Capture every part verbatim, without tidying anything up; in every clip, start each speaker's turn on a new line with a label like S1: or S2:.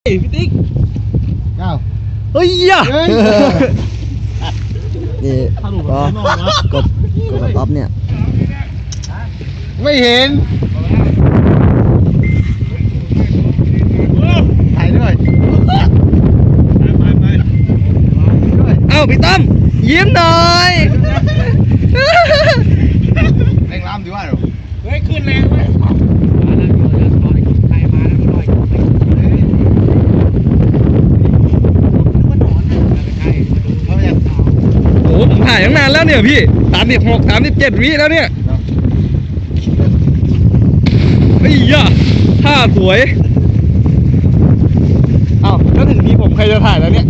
S1: พี่ติ๊กเอ้า
S2: เฮ้ยอ่ะนี่ก็กบกบป๊อปเนี่ย
S1: ไม่เห็นถ่ายด้วย
S2: เอ้าพี่ตั้มยิ้มหน่อย
S1: แรงล้ำดีว่าหรอเฮ้ยขึ้นแรงเว้ย
S2: โอ้ผมถ่ายตั้งนานแล้วเนี่ยพี่สามสิบหกสามสิบเจ็ดวิแล้วเนี่ยไอ้ย่าท่าสวยเอ้าแล้วถึงนี้ผมใครจะถ่ายแล้วเนี่ย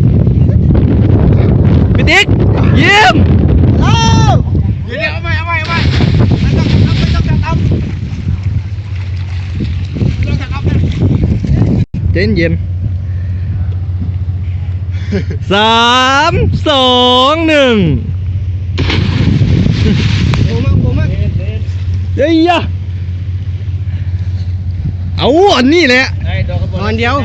S2: พี่ติ๊กยิ้ม
S1: เอ้าเดี๋ยวเอาใหม่เอาใหม่เอาใหม่ไม่ต้องไม่ต้องจับเอาไม่ต้องจับเอา
S2: เย็นเย็นสามสองหนึ่ง
S1: ผมมั่งผมมั่ง
S2: เฮ้ยยะเอาอันนี้แหละ
S1: นอนเดียว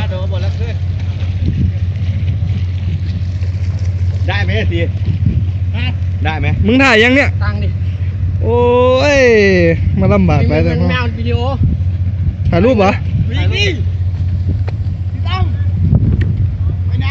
S1: ได้ไหมทีได้ไหม
S2: มึงถ่ายยังเนี่ย
S1: ตั้งดิ
S2: โอ้ยมาลำบากไปแต่
S1: มันไม่เอาวิดีโอ
S2: ถ่ายรูปเหรอ
S1: วิ่งดิตั้มไปไหน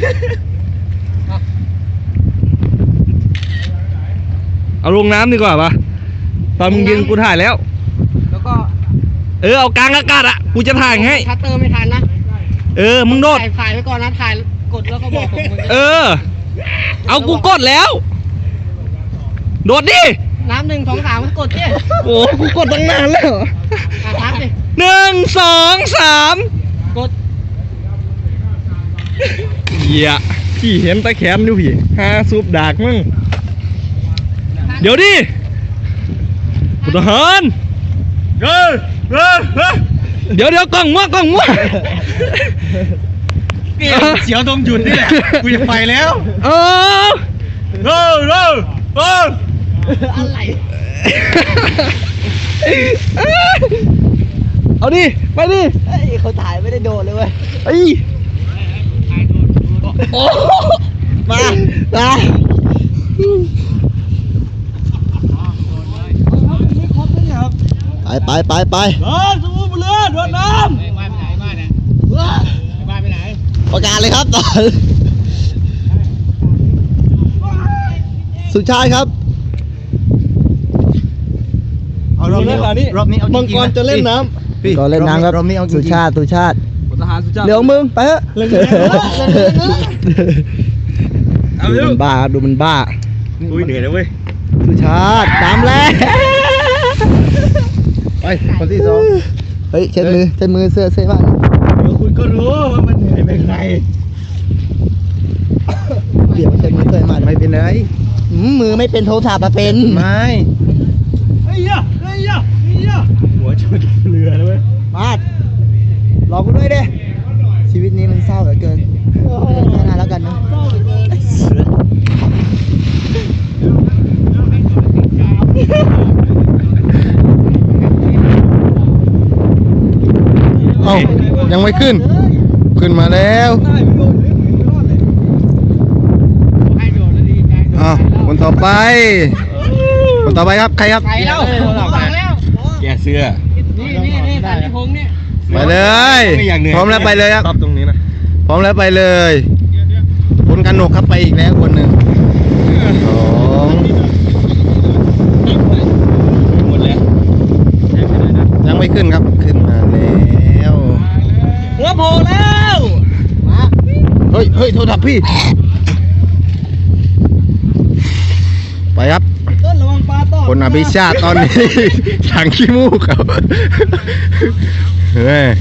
S2: เอาลงน้ำดีกว่าปะตอนมึงยิงกูถ่ายแล้ว
S1: แล้วก็
S2: เออเอากลางอากาศอ่ะกูจะถ่ายให้
S1: ชัตเตอร์ไม่ทันนะ
S2: เออมึงโดด
S1: ถ่ายถ่ายไว้ก่อนนะถ่ายกดแล้วก็บอกผม
S2: เออเอากูกดแล้วโดดดิ
S1: น้ำหนึ่งสองสามกดดิ
S2: โอ้กูกดตั้งนานแล้ว
S1: ทักดิ
S2: หนึ่งสองสาม
S1: กด
S2: เหี้ยพี่เห็นตะแขนดูพี่ฮาซูบดากมึงเดี๋ยวดิกูทหารเฮ้ยเฮ้ยเดี๋ยวเดี๋ยวกล้องมั่วกล้องมั่ว
S1: เสียวตรงหยุดนี่แหละกูจะไปแล้ว
S2: เออ
S1: เร็วเร็วเร็วอะไร
S2: เอาดิไปดิ
S1: เขาถ่ายไม่ได้โดนเลยเว้ย
S2: ไอ้โอ้
S1: มามา
S2: ไปไปไปไป
S1: เดินสู้เรือโดนน้ำไปไหนมาเนี่ยไปไปไหน
S2: ประกาศเลยครับตอนสุดท้ายครับ
S1: เอารอบนี้รอบนี้เอาจริงๆ
S2: มังกรจะเล่นน้ำก็เล่นน้ำครับสุชาติสุชาติ
S1: ทหารสุชาติ
S2: เดี๋ยวมึงไปเถอะดูมันบ้าดูมันบ้า
S1: อุ้ยเหนื่อยเลยเว้ย
S2: สุชาติตามแล้ว
S1: ไปคนที่สอง
S2: เฮ้ยเช็ดมือเช็ดมือเสื้อเสื้อบ้าน
S1: เดี๋ยวคุณก็รู้ว่ามันเหนื่อยเป็นไง
S2: เดี๋ยวเช็ดมือเสื้อมา
S1: ไม่เป็นไร
S2: มือไม่เป็นโทรศัพท์มาเป็น
S1: ไม่เฮ้ยอะเฮ้ยอะเฮ้ยอะหัวชนเรือแล้วเว้ย
S2: มาดรอกูด้วยดิชีวิตนี้มันเศร้าเหลือเกินแค่นั้นแล้วกันนะ
S1: เอ้ายังไม่ขึ้นขึ้นมาแล้วอ้าวคนต่อไปคนต่อไปครับใครครับไปแล้วแกเสื้อนี่นี่นี่สันติพงษ์เนี่ยไปเลยพร้อมแล้วไปเลยครับตรงนี้นะพร้อมแล้วไปเลยคนกันหนกครับไปอีกแล้วคนหนึ่งสองหมดแล้วยังไม่ขึ้นครับขึ้นมาแล้ว
S2: หัวโผล่แล้ว
S1: เฮ้ยเฮ้ยโทรศัพท์พี่ไปครับคนอภิชาติตอนนี้ถังขี้มูกครับเฮ้ย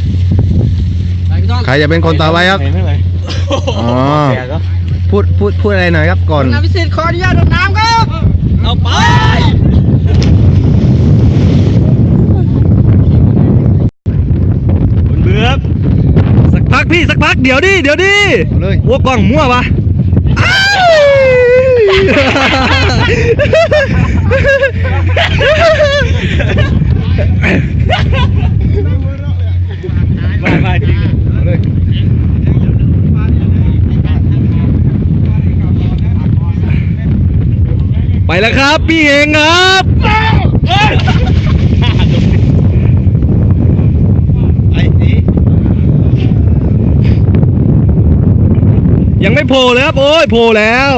S1: ใครจะเป็นคนต่อไปครับอ๋อพูดพูดพูดอะไรหน่อยครับก่อน
S2: อภิสิทธิ์ขออนุญาตดำน้ำครับเอาไปคุณเบือบสักพักพี่สักพักเดี๋ยวดิเดี๋ยวดิวัวกล้องมั่วปะ
S1: มามาจริงเลย
S2: แล้วครับพี่เฮงครับยังไม่โผล่เลยครับโอ้ยโผล่แล้ว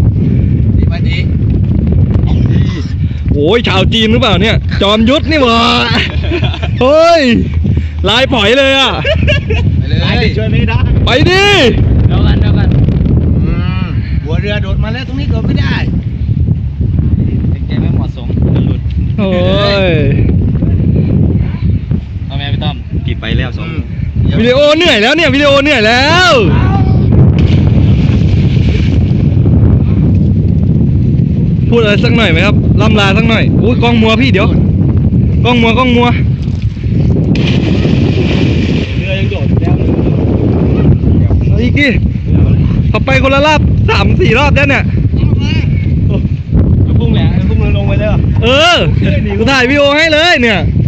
S2: โอ้ยชาวจีนหรือเปล่าเนี่ยจอมยุทธนี่หว่าเฮ้ยลายปล่อยเลยอ่ะ
S1: ไปเลยช่วยไม่ได้
S2: ไปดิ
S3: เดี๋ยวกันเดี๋ยวกัน
S1: หัวเรือโดดมาแล้วตรงนี้โดดไม่ได้
S3: แกไม่เหมาะสมจะหลุด
S2: โอ้ย
S3: เอาแม่พี่ต้อม
S1: ปิดไปแล้วสอง
S2: วิดีโอเหนื่อยแล้วเนี่ยวิดีโอเหนื่อยแล้วพูดอะไรสักหน่อยไหมครับล่ำลาสักหน่อยอุ้ยกล้องมัวพี่เดี๋ยวกล้องมัวกล้องมัว
S3: เรือยังโดดแล้ว
S2: เอาอีกดิขับไปคนละรอบสามสี่รอบแล้วเนี่ย
S3: พุ่งแหละพุ่งเรือลงไปเลย
S2: เออกูถ่ายวิดีโอให้เลยเนี่ย
S3: เ